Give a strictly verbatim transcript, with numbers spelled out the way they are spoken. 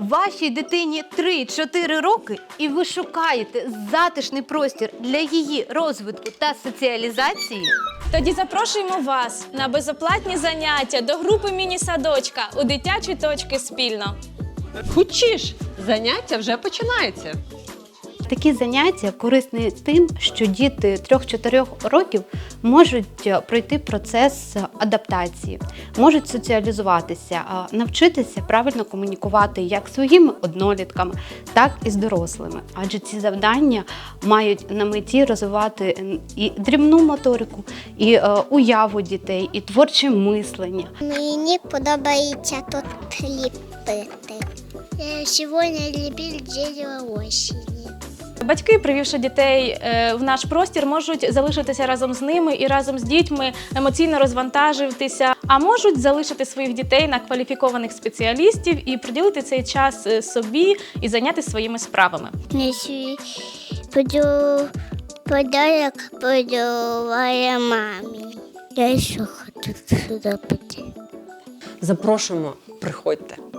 Вашій дитині три-чотири роки і ви шукаєте затишний простір для її розвитку та соціалізації? Тоді запрошуємо вас на безоплатні заняття до групи міні-садочка у дитячі точки спільно. Хочеш, заняття вже починається. Такі заняття корисні тим, що діти трьох-чотирьох років можуть пройти процес адаптації, можуть соціалізуватися, навчитися правильно комунікувати як зі своїми однолітками, так і з дорослими. Адже ці завдання мають на меті розвивати і дрібну моторику, і уяву дітей, і творче мислення. Мені подобається тут ліпити. Я сьогодні ліпив дерево осені. Батьки, привівши дітей в наш простір, можуть залишитися разом з ними і разом з дітьми емоційно розвантажитися, а можуть залишити своїх дітей на кваліфікованих спеціалістів і приділити цей час собі і зайнятися своїми справами. Несу подарок подарувала мамі. Я ще хочу сюди піти. Запрошуємо, приходьте.